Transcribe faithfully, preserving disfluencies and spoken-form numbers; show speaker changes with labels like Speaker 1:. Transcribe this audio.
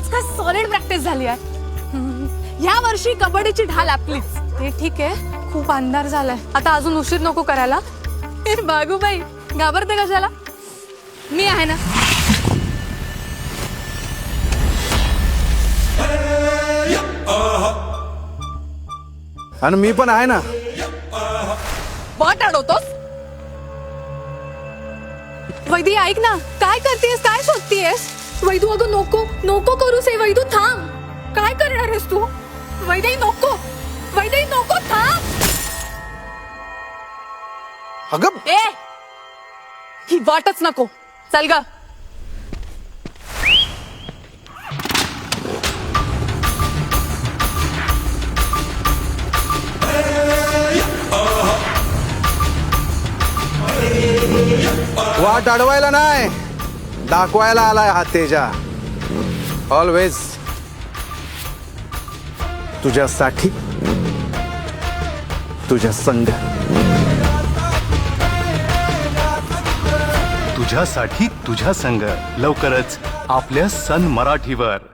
Speaker 1: आज काय solid practice झाली आहे. या वर्षी कबड्डीची ढाल आपलीच.
Speaker 2: ते ठीक आहे, खूप अंधार झालाय, आता अजून उशीर नको करायला.
Speaker 1: ए बागूबाई, घाबरते कशाला? मी आहे ना.
Speaker 3: आणि मी पण आहे ना.
Speaker 1: बॉट अडवतोस?
Speaker 2: वैदी ऐक ना, काय करतेस, काय शोधतीयस? वैदू अगं नको नको करूस हे. वैदू थांब, काय करणार आहेस तू? वैदेही नको, वैदेही नको, थांब.
Speaker 3: अगं
Speaker 1: ए ही वाटच नको. चल ग.
Speaker 3: वाट अडवायला नाही, दाखवायला आलाय हा तेजा. ऑलवेज तुझ्यासाठी, तुझ्या संग.
Speaker 4: तुझ्यासाठी तुझ्या संग लवकरच आपल्या सन मराठीवर.